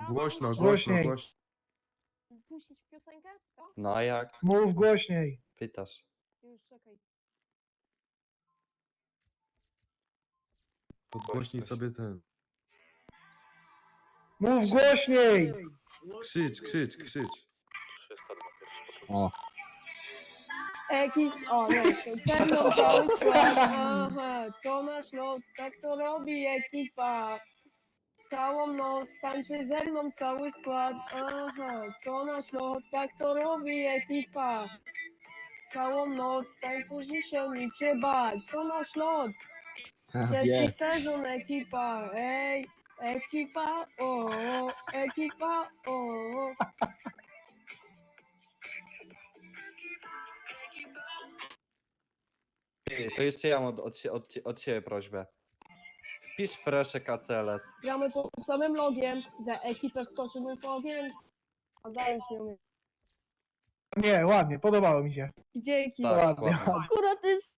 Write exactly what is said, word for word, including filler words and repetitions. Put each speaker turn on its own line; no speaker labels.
Głośno, głośno,
Głośniej.
głośno.
Puścić piosenkę? Co?
No a jak?
Mów głośniej.
Pytasz.
Już, czekaj.
Podgłośnij sobie ten.
Mów głośniej.
Krzycz, krzycz, krzycz.
O,
Ekip, o nie, to ze mną cały skład, aha, to nasz los, tak to robi ekipa. Całą noc tańczy ze mną cały skład, aha, to nasz los, tak to robi ekipa. Całą noc tańczy się nic się bać, to nasz los. Trzeci
wie.
sezon ekipa, ej, ekipa, o, ekipa, o.
Ty, to jeszcze ja mam od, od, sie- od, cie- od siebie prośbę. Wpisz fresze K C L S.
Gramy pod samym logiem, za ekipę wskoczymy w ogień. A dalej się umie.
Nie, ładnie, podobało mi się.
Dzięki.
Tak,
Ładnie.
ładnie.
Akurat to jest